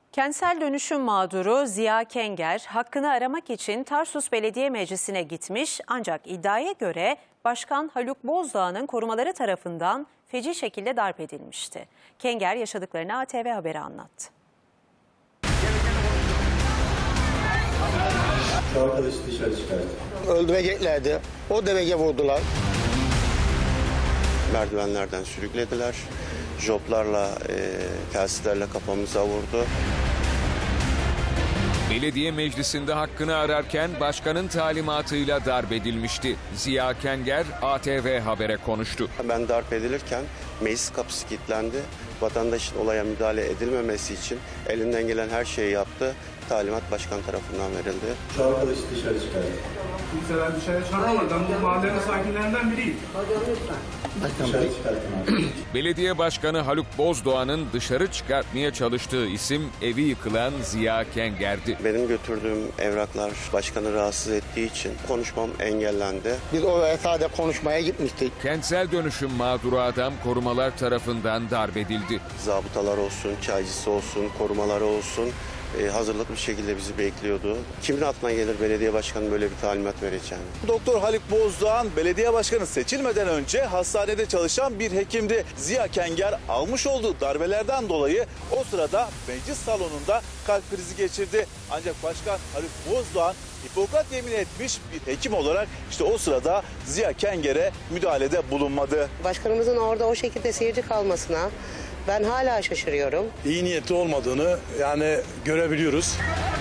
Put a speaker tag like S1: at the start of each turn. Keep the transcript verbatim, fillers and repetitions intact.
S1: Kentsel dönüşüm mağduru Ziya Kenger, hakkını aramak için Tarsus Belediye Meclisi'ne gitmiş ancak iddiaya göre Başkan Haluk Bozdağ'ın korumaları tarafından feci şekilde darp edilmişti. Kenger yaşadıklarını A T V Haber'e anlattı.
S2: Şu arkadaşı dışarı çıkarttı.
S3: Öldüreceklerdi. O dereceye vurdular.
S4: Merdivenlerden sürüklediler. Joplarla, e, telsizlerle kafamıza vurdu.
S5: Belediye meclisinde hakkını ararken başkanın talimatıyla darp edilmişti. Ziya Kenger A T V Haber'e konuştu.
S4: Ben darp edilirken meclis kapısı kilitlendi. Vatandaşın olaya müdahale edilmemesi için elinden gelen her şeyi yaptı. Talimat başkan tarafından verildi.
S2: Şu arkadaşı dışarı çıkarttı.
S6: Kimseler dışarı çıkartamadı. Ben bu mahallenin sakinlerinden biriyim.
S2: Dışarı çıkarttım abi.
S5: Belediye Başkanı Haluk Bozdağ'ın dışarı çıkartmaya çalıştığı isim evi yıkılan Ziya Kenger'di.
S4: Benim götürdüğüm evraklar başkanı rahatsız ettiği için konuşmam engellendi.
S3: Biz oraya sadece konuşmaya gitmiştik.
S5: Kentsel dönüşüm mağduru adam korumalar tarafından darp edildi.
S4: Zabıtalar olsun, çaycısı olsun, korumaları olsun e, hazırlıklı bir şekilde bizi bekliyordu. Kimin aklına gelir belediye başkanı böyle bir talimat vereceğini?
S7: Doktor Haluk Bozdağ belediye başkanı seçilmeden önce hastanede çalışan bir hekimdi. Ziya Kenger almış olduğu darbelerden dolayı o sırada meclis salonunda kalp krizi geçirdi. Ancak başkan Haluk Bozdağ Hipokrat yemin etmiş bir hekim olarak işte o sırada Ziya Kenger'e müdahalede bulunmadı.
S8: Başkanımızın orada o şekilde seyirci kalmasına ben hala şaşırıyorum.
S9: İyi niyetli olmadığını yani görebiliyoruz.